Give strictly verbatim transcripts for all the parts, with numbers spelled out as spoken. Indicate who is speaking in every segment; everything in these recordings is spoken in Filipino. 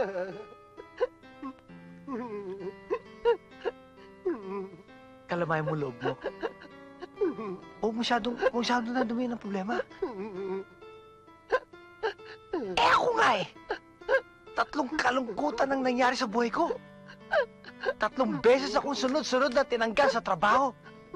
Speaker 1: Kalamayan mo loob mo. Huwag masyadong, masyadong na dumi ng problema. Eh ako nga eh. Tatlong kalungkutan ang nangyari sa buhay ko. Tatlong beses akong sunod-sunod na tinanggal sa trabaho.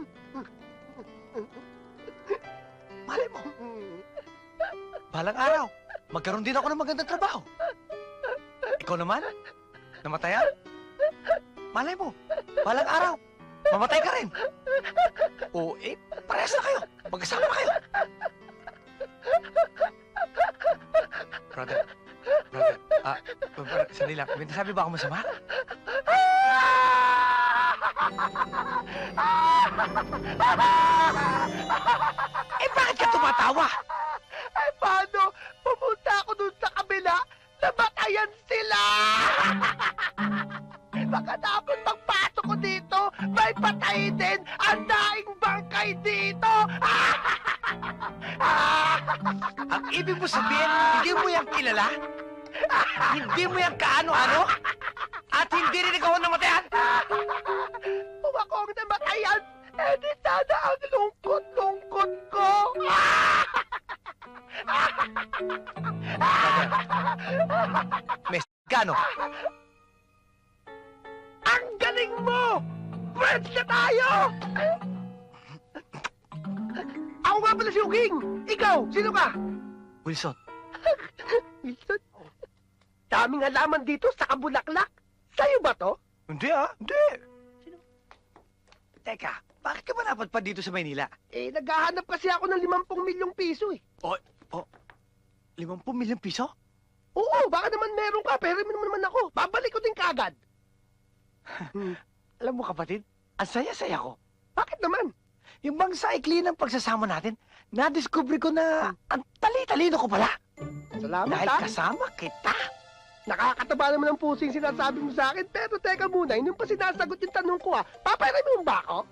Speaker 1: Malay mo, balang araw, magkaroon din ako ng magandang trabaho. Ikaw naman, namatayan? Malay mo, balang araw, mamatay ka rin. O eh, parehas na kayo. Magkasama na kayo. Brother, brother, ah, uh, sandali lang. May nasabi ba ako masama? Eh, bakit ka tumatawa?
Speaker 2: Ay, paano? Pumunta ako dun sa kabila, namatayan sila! Baka dapat magpasok ko dito, may patay din ang daing bangkay dito!
Speaker 1: Ang ibig mo sabihin, hindi mo yan kilala? Hindi mo yan kaano-ano? At hindi rin ikaw ang namatayan?
Speaker 2: Kung ako ang namatayan, eh di sana ang lungkot-lungkot ko!
Speaker 1: Mes, gano?
Speaker 2: Ang galing mo! Friends na tayo! Ako nga pala si Uging! Ikaw, sino ka?
Speaker 1: Wilson,
Speaker 2: Wilson? Daming halaman dito sa kabulaklak. Sa'yo ba to?
Speaker 1: hindi ah, hindi. Teka, bakit ka ba napadpad dito sa Maynila?
Speaker 2: Eh, naghahanap kasi ako ng limampung milyong piso eh.
Speaker 1: O, o, limampung milyong piso?
Speaker 2: Oo, baka naman meron ka, pero mo naman ako. Babalik ko din kagad. Hmm.
Speaker 1: Alam mo kapatid, ang saya-saya ko.
Speaker 2: Bakit naman?
Speaker 1: Yung bang sa ikli ng pagsasama natin, nadiskubre ko na ang tali-talino ko pala.
Speaker 2: Salamat
Speaker 1: Dahil
Speaker 2: ha.
Speaker 1: kasama kita.
Speaker 2: Nakakataba naman ang pusing sinasabi mo sa akin, pero teka muna, hindi mo pa sinasagot yung tanong ko ha. Papayari mo ba ako?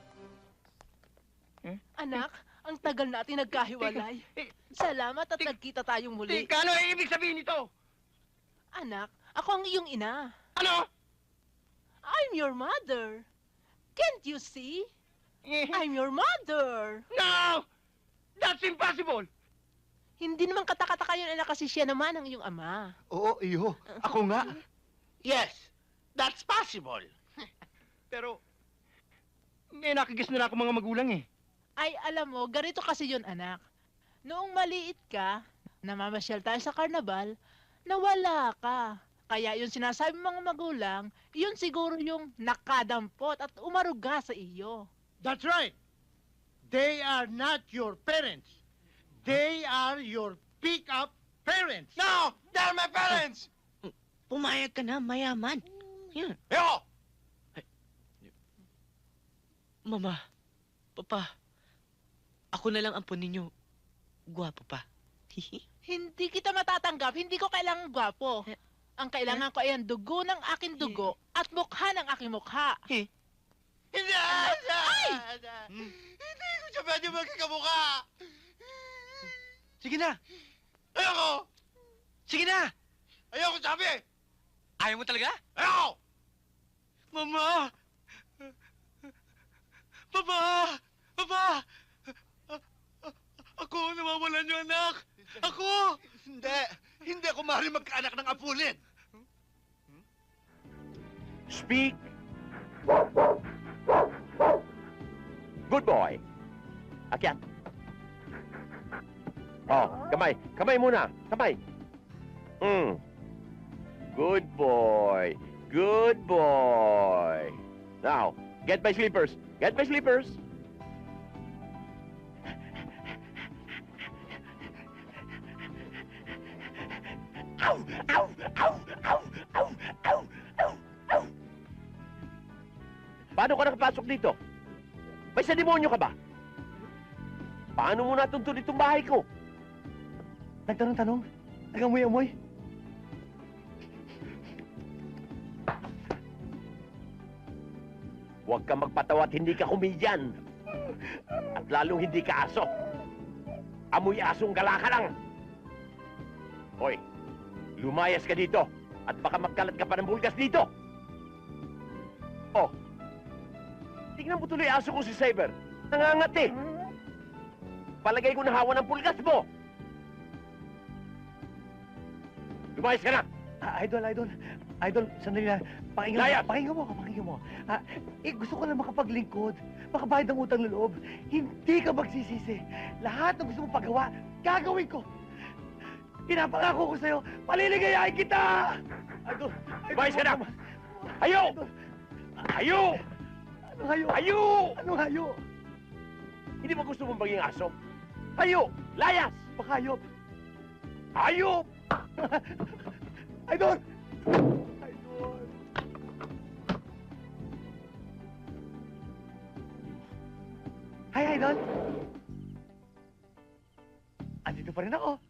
Speaker 3: Anak, ang tagal natin nagkahiwalay. Salamat at nagkita tayong muli.
Speaker 2: Teka, ano ang ibig sabihin nito?
Speaker 3: Anak, ako ang iyong ina.
Speaker 2: Ano?
Speaker 3: I'm your mother. Can't you see? I'm your mother.
Speaker 2: No! That's impossible!
Speaker 3: Hindi naman katakataka yun, anak, kasi siya naman ang iyong ama.
Speaker 2: Oo, iyo. Ako nga. Yes, that's possible. Pero, may nakikis na ako mga magulang eh.
Speaker 3: Ay, alam mo, ganito kasi yun, anak. Noong maliit ka, namamasyal tayo sa karnabal, nawala ka. Kaya yung sinasabi mga magulang, yun siguro yung nakadampot at umaruga sa iyo.
Speaker 4: That's right. They are not your parents. They are your pick-up parents.
Speaker 2: No! They're my parents!
Speaker 5: Pumayag ka na, mayaman. Yan.
Speaker 2: Yo!
Speaker 5: Mama, Papa, ako na lang ampon ninyo. Gwapo pa.
Speaker 3: Hindi kita matatanggap, hindi ko kailangan gwapo. Ang kailangan ko ay ang dugo ng aking dugo at mukha ng aking mukha.
Speaker 2: Hindi!
Speaker 3: Ay!
Speaker 2: Hindi ko siya pwede magkakamukha!
Speaker 1: Sige na,
Speaker 2: Ayoko!
Speaker 1: sige na.
Speaker 2: Ayoko sabi!
Speaker 1: Ayaw mo talaga?
Speaker 2: Ayoko!
Speaker 1: Mama! Papa! Papa! A- a- ako, nawawalan yung anak! Ako!
Speaker 2: Hindi! Hindi ako maaaring magkaanak ng apulin!
Speaker 6: Speak. Good boy. Akyat. Oh, kamay. Kamay muna. Kamay. Hmm. Good boy. Good boy. Now, get my slippers. Get my slippers. Ow! Ow! Ow! Ow! Ow! Ow! Ow! Ow! Paano ka nakapasok dito? May sa demonyo ka ba? Paano mo natuntun itong bahay ko?
Speaker 1: Nagtanong-tanong, nagamoy-amoy.
Speaker 6: Huwag kang magpatawa at hindi ka komedyan. At lalong hindi ka aso. Amoy asong gala ka lang. Hoy, lumayas ka dito. At baka magkalat ka pa ng bulgas dito. Oh. Tingnan mo tuloy aso ko si Saber. Nangangati. Palagay ko nahawa ng pulgas mo. Lumayas ka na.
Speaker 1: Ah, idol, idol. Idol, sandali na. Pakinggan
Speaker 6: Layas!
Speaker 1: mo, pakinggan mo ako, pakinggan mo. Ah, eh, gusto ko lang makapaglingkod. Makabayad ng utang na loob. Hindi ka magsisisi. Lahat ng gusto mong pagawa, gagawin ko. Pinapangako ko sa'yo, paliligayahin kita! Idol, idol,
Speaker 6: Lumayas ka na!
Speaker 1: naman.
Speaker 6: Hayo!
Speaker 1: Idol,
Speaker 6: Hayo!
Speaker 1: anong hayo?
Speaker 6: Hayo!
Speaker 1: Anong hayo?
Speaker 6: Hindi ba gusto mong maging aso? Hayo! Layas!
Speaker 1: Bakayop.
Speaker 6: Hayo!
Speaker 1: Idol! Idol! Hi, Idol! Andito pa rin ako.